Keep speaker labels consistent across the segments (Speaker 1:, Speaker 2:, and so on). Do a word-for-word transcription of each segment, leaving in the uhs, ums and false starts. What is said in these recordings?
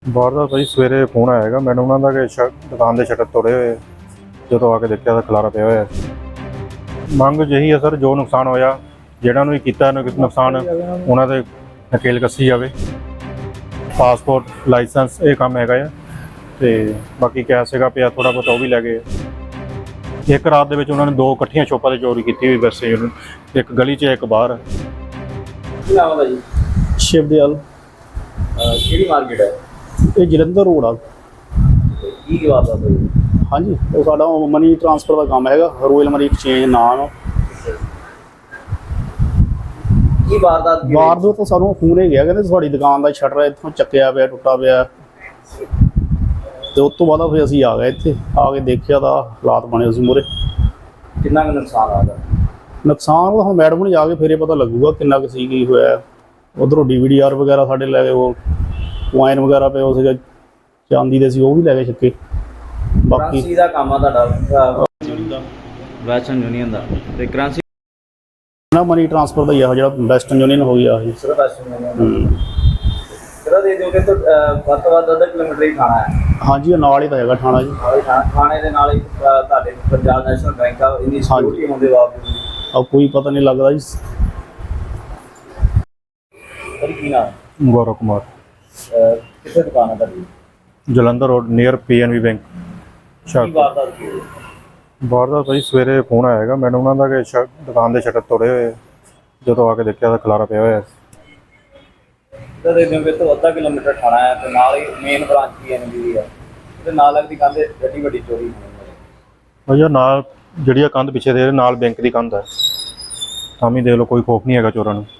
Speaker 1: ਵਾਰਦਾਤ ਭਾਈ ਸਵੇਰੇ ਫੋਨ ਆਇਆ ਹੈਗਾ ਮੈਨੂੰ ਉਹਨਾਂ ਦਾ ਕਿ ਸ਼ ਦੁਕਾਨ ਦੇ ਸ਼ਟਰ ਤੋੜੇ ਹੋਏ। ਜਦੋਂ ਆ ਕੇ ਦੇਖਿਆ ਤਾਂ ਖਲਾਰਾ ਪਿਆ ਹੋਇਆ। ਮੰਗ ਜਿਹੀ ਹੈ ਸਰ, ਜੋ ਨੁਕਸਾਨ ਹੋਇਆ ਜਿਹੜਾ ਨੂੰ ਵੀ ਕੀਤਾ ਨੁਕਸਾਨ ਉਹਨਾਂ ਦੇ ਨਕੇਲ ਕੱਸੀ ਜਾਵੇ। ਪਾਸਪੋਰਟ ਲਾਇਸੈਂਸ ਇਹ ਕੰਮ ਹੈਗਾ ਆ, ਤੇ ਬਾਕੀ ਕੈਸ਼ ਹੈਗਾ ਪਿਆ ਥੋੜਾ ਬਹੁਤ ਉਹ ਵੀ ਲੈ ਗਏ। ਇੱਕ ਰਾਤ ਦੇ ਵਿੱਚ ਉਹਨਾਂ ਨੇ ਦੋ ਇਕੱਠੀਆਂ ਸ਼ੋਪਾਂ 'ਤੇ ਚੋਰੀ ਕੀਤੀ ਹੋਈ। ਵੈਸੇ ਇੱਕ ਗਲੀ 'ਚ ਇੱਕ ਬਾਹਰ।
Speaker 2: ਕੀ ਨਾਮ ਹੈ ਜੀ?
Speaker 3: ਸ਼ਿਵਦਿਆਲ।
Speaker 2: ਕਿਹੜੀ ਮਾਰਕੀਟ ਹੈ?
Speaker 3: ਇਹ ਜਲੰਧਰ ਰੋਡ ਆ।
Speaker 2: ਕੀ ਵਾਰਦਾਤ ਹੋਈ?
Speaker 3: ਹਾਂਜੀ, ਉਹ ਸਾਡਾ ਮਨੀ ਟ੍ਰਾਂਸਫਰ ਦਾ ਕੰਮ ਹੈਗਾ, ਰੋਇਲ ਮਨੀ ਐਕਸਚੇਂਜ ਨਾਮ।
Speaker 2: ਕੀ ਵਾਰਦਾਤ ਕੀ
Speaker 3: ਵਾਰਦਾਤ ਤਾਂ ਸਾਨੂੰ ਫੋਨ ਹੀ ਗਿਆ, ਕਹਿੰਦੇ ਤੁਹਾਡੀ ਦੁਕਾਨ ਦਾ ਸ਼ਟਰ ਇੱਥੋਂ ਚੱਕਿਆ ਪਿਆ, ਟੁੱਟਾ ਪਿਆ। ਤੇ ਉਸ ਤੋਂ ਬਾਅਦ ਫਿਰ ਅਸੀਂ ਆ ਗਏ, ਇੱਥੇ ਆ ਕੇ ਦੇਖਿਆ ਤਾਂ ਹਾਲਾਤ ਬਣੇ ਸੀ ਮੂਹਰੇ।
Speaker 2: ਕਿੰਨਾ ਕੁ ਨੁਕਸਾਨ ਆਦਾ?
Speaker 3: ਨੁਕਸਾਨ ਤਾਂ ਹੁਣ ਮੈਡਮ ਨੂੰ ਜਾ ਕੇ ਫੇਰੇ ਪਤਾ ਲੱਗੂਗਾ ਕਿੰਨਾ ਕੁ ਸੀ, ਕੀ ਹੋਇਆ। ਉੱਧਰੋਂ ਡੀ ਵੀ ਡੀ ਆਰ ਵਗੈਰਾ ਸਾਡੇ ਲੈ ਗਏ, ਉਹ ਵਾਈਨ ਵਗੈਰਾ ਪਏ ਉਹ ਸੀਗਾ ਚਾਂਦੀ ਦੇ ਸੀ, ਉਹ ਵੀ ਲੈ ਗਏ ਚੱਕੇ। ਬਾਕੀ
Speaker 2: ਕਰੰਸੀ ਦਾ ਕੰਮ ਆ ਤੁਹਾਡਾ? ਵੈਸਟਰਨ ਯੂਨੀਅਨ ਦਾ। ਤੇ ਕਰੰਸੀ
Speaker 3: ਨਾ ਮਨੀ ਟ੍ਰਾਂਸਫਰ ਦਾ ਹੀ ਆ, ਜਿਹੜਾ ਵੈਸਟਰਨ ਯੂਨੀਅਨ ਹੋ ਗਿਆ ਇਹ।
Speaker 2: ਸਿਰਫ ਵੈਸਟਰਨ ਯੂਨੀਅਨ ਕਿਹੜਾ ਦੇ ਦਿਓਗੇ? ਤਾਂ ਵੱਧ ਤੋਂ ਵੱਧ ਅੱਧਾ ਕਿਲੋਮੀਟਰ ਹੀ ਥਾਣਾ ਹੈ।
Speaker 3: ਹਾਂਜੀ, ਨਾਲ ਹੀ ਤਾਂ ਹੈਗਾ ਥਾਣਾ ਜੀ।
Speaker 2: ਥਾਣੇ ਦੇ ਨਾਲ ਹੀ ਤੁਹਾਡੇ ਪੰਜਾਬ ਨੈਸ਼ਨਲ ਬੈਂਕ ਆ। ਇੰਨੀ ਸਿਕਿਉਰਿਟੀ ਹੋਣ ਦੇ ਬਾਵਜੂਦ
Speaker 3: ਆ ਕੋਈ ਪਤਾ ਨਹੀਂ ਲੱਗਦਾ ਜੀ।
Speaker 2: ਸਰ ਕੀ ਨਾਮ?
Speaker 1: ਗੌਰਵ ਕੁਮਾਰ।
Speaker 2: ਕਿੱਥੇ ਦੁਕਾਨ ਹੈ ਤੁਹਾਡੀ?
Speaker 1: Jalandhar road near P N B bank.
Speaker 2: ਕੀ ਵਾਰਦਾਤ ਕੀ ਹੋਈ?
Speaker 1: ਵਾਰਦਾਤ ਭਾਈ ਸਵੇਰੇ ਫੋਨ ਆਇਆ ਹੈਗਾ ਮੈਨੂੰ ਉਹਨਾਂ ਦਾ ਕਿ ਸ਼ ਦੁਕਾਨ ਦੇ ਸ਼ਟਰ ਤੋੜੇ ਹੋਏ। ਜਦੋਂ ਆ ਕੇ ਦੇਖਿਆ ਤਾਂ ਖਲਾਰਾ ਪਿਆ ਹੋਇਆ।
Speaker 2: ਤਾਂ ਦੇ ਦਿਓਗੇ ਤਾਂ ਅੱਧਾ ਕਿਲੋਮੀਟਰ ਥਾਣਾ ਹੈ, ਤੇ ਨਾਲ ਹੀ main branch P N B ਹੈ, ਤੇ ਨਾਲ ਲੱਗਦੀ ਕੰਧ ਐਡੀ ਵੱਡੀ ਚੋਰੀ ਹੋਣੀ ਹੈ।
Speaker 1: ਭਾਈ ਨਾਲ ਜਿਹੜੀ ਆ ਕੰਧ ਪਿੱਛੇ ਦੇ ਨਾਲ ਬੈਂਕ ਦੀ ਕੰਧ ਹੈ, ਤਾਂ ਵੀ ਦੇਖ ਲਓ ਕੋਈ ਖੌਫ ਨਹੀਂ ਹੈਗਾ ਚੋਰਾਂ ਨੂੰ।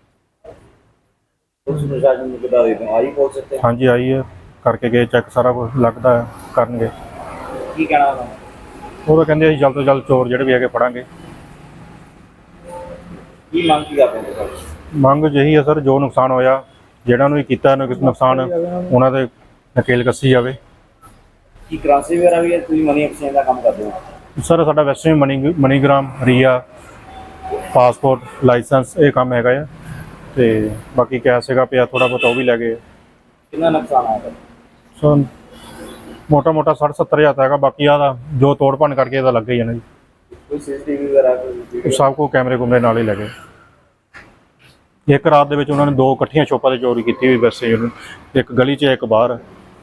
Speaker 2: ਪੁਲਿਸ ਪ੍ਰਸ਼ਾਸਨ ਨੂੰ ਕਿੱਦਾਂ ਦੇ ਦਿਓ? ਆਈ ਪੁਲਿਸ ਇੱਥੇ?
Speaker 1: ਹਾਂਜੀ ਆਈ ਹੈ, ਕਰਕੇ ਗਏ ਚੈੱਕ, ਸਾਰਾ ਕੁਝ ਲੱਗਦਾ ਹੈ ਕਰਨਗੇ।
Speaker 2: ਕੀ ਕਹਿਣਾ ਉਹਨਾਂ ਨੂੰ?
Speaker 1: ਉਹ ਤਾਂ ਕਹਿੰਦੇ ਅਸੀਂ ਜਲਦ ਤੋਂ ਜਲਦ ਚੋਰ ਜਿਹੜੇ ਵੀ ਹੈਗੇ ਫੜਾਂਗੇ।
Speaker 2: ਕੀ ਮੰਗ ਕੀ ਕਰਦੇ ਹੋ ਤੁਸੀਂ?
Speaker 1: ਮੰਗ ਜਿਹੀ ਹੈ ਸਰ, ਜੋ ਨੁਕਸਾਨ ਹੋਇਆ ਜਿਹੜਾ ਨੂੰ ਵੀ ਕੀਤਾ ਨੁਕਸਾਨ ਉਹਨਾਂ ਦੇ ਨਕੇਲ ਕੱਸੀ ਜਾਵੇ।
Speaker 2: ਕੀ ਕਰੰਸੀ ਵਗੈਰਾ ਵੀ ਹੈ? ਤੁਸੀਂ ਮਨੀ ਐਕਸਚੇਂਜ ਦਾ ਕੰਮ ਕਰਦੇ ਹੋ?
Speaker 1: ਸਰ ਸਾਡਾ Western money MoneyGram, Ria, passport licence ਇਹ ਕੰਮ ਹੈਗਾ ਆ, ਤੇ ਬਾਕੀ ਕੈਸ਼ ਹੈਗਾ ਪਿਆ ਥੋੜਾ ਬਹੁਤ ਉਹ ਵੀ ਲੈ ਗਏ।
Speaker 2: ਕਿੰਨਾ ਨੁਕਸਾਨ ਆਇਆ?
Speaker 1: ਸੋ ਮੋਟਾ ਮੋਟਾ ਸੱਠ ਸੱਤਰ ਹਜ਼ਾਰ ਹੈਗਾ। ਬਾਕੀ ਆਦਾ ਜੋ ਤੋੜ ਭੰਨ ਕਰਕੇ ਇਹਦਾ ਲੱਗ ਹੀ ਜਾਣਾ ਜੀ।
Speaker 2: ਕੋਈ ਸੀਸੀਟੀਵੀ ਵਗੈਰਾ ਕੋਈ?
Speaker 1: ਸਭ ਕੋ ਕੈਮਰੇ ਕੁਮਰੇ ਨਾਲ ਹੀ ਲੱਗੇ। ਇੱਕ ਰਾਤ ਦੇ ਵਿੱਚ ਉਹਨਾਂ ਨੇ ਦੋ ਇਕੱਠੀਆਂ ਸ਼ੋਪਾਂ 'ਤੇ ਚੋਰੀ ਕੀਤੀ ਹੋਈ। ਵੈਸੇ ਇੱਕ ਗਲੀ 'ਚ ਇੱਕ ਬਾਹਰ।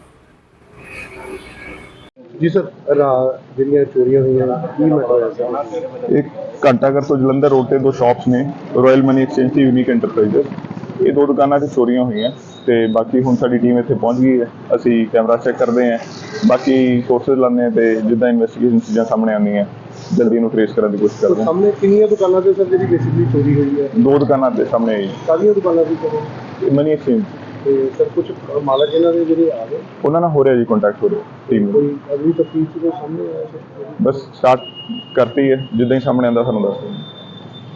Speaker 4: ਜੀ ਸਰ, ਜਿਹੜੀਆਂ ਚੋਰੀਆਂ ਹੋਈਆਂ ਕੀ ਮੈਟਰ ਹੋਇਆ ਸਰ?
Speaker 5: एक घंटाघर तो जलंधर रोड ਤੇ ਦੋ ਸ਼ਾਪਸ ਨੇ, ਰਾਇਲ ਮਨੀ ਐਕਸਚੇਂਜ ਤੇ ਯੂਨੀਕ ਐਂਟਰਪ੍ਰਾਈਜ਼ਸ। ਇਹ ਦੋ ਦੁਕਾਨਾਂ 'ਤੇ ਚੋਰੀਆਂ ਹੋਈਆਂ, ਤੇ ਬਾਕੀ ਹੁਣ ਸਾਡੀ ਟੀਮ ਇੱਥੇ ਪਹੁੰਚ ਗਈ ਹੈ। ਅਸੀਂ ਕੈਮਰਾ ਚੈੱਕ ਕਰਦੇ ਹਾਂ, ਬਾਕੀ ਸੋਰਸਿਸ ਲਾਉਂਦੇ ਹਾਂ, ਤੇ ਜਿੱਦਾਂ ਇਨਵੈਸਟੀਗੇਸ਼ਨ ਚੀਜ਼ਾਂ ਸਾਹਮਣੇ ਆਉਂਦੀਆਂ ਜਲਦੀ ਇਹਨੂੰ ਟ੍ਰੇਸ ਕਰਨ ਦੀ ਕੋਸ਼ਿਸ਼ ਕਰਦੇ ਹਾਂ।
Speaker 4: ਸਾਹਮਣੇ ਕਿੰਨੀਆਂ ਦੁਕਾਨਾਂ ਤੇ ਸਰ ਜਿਹੜੀ ਬੇਸਿਕਲੀ ਚੋਰੀ ਹੋਈ ਹੈ?
Speaker 5: ਦੋ ਦੁਕਾਨਾਂ ਦੇ ਸਾਹਮਣੇ ਆਈ
Speaker 4: ਸਾਰੀਆਂ ਦੁਕਾਨਾਂ ਦੀ ਚੋਰੀ?
Speaker 5: Money Exchange.
Speaker 4: ਤੇ ਸਰ ਕੁਝ ਮਾਲਕ ਇਹਨਾਂ ਦੇ ਜਿਹੜੇ ਆ ਗਏ,
Speaker 5: ਉਹਨਾਂ ਨਾਲ ਹੋ ਰਿਹਾ ਜੀ ਕੰਟੈਕਟ ਹੋ ਰਿਹਾ ਟੀਮ ਨੂੰ।
Speaker 4: ਕੋਈ ਅਗਲੀ ਤਫਤੀਸ਼ ਦੇ ਸਾਹਮਣੇ ਆਇਆ ਸਰ?
Speaker 5: ਬਸ ਸਟਾਰਟ ਕਰਤੀ ਹੈ, ਜਿੱਦਾਂ ਹੀ ਸਾਹਮਣੇ ਆਉਂਦਾ ਸਾਨੂੰ ਦੱਸ ਦਿਓ।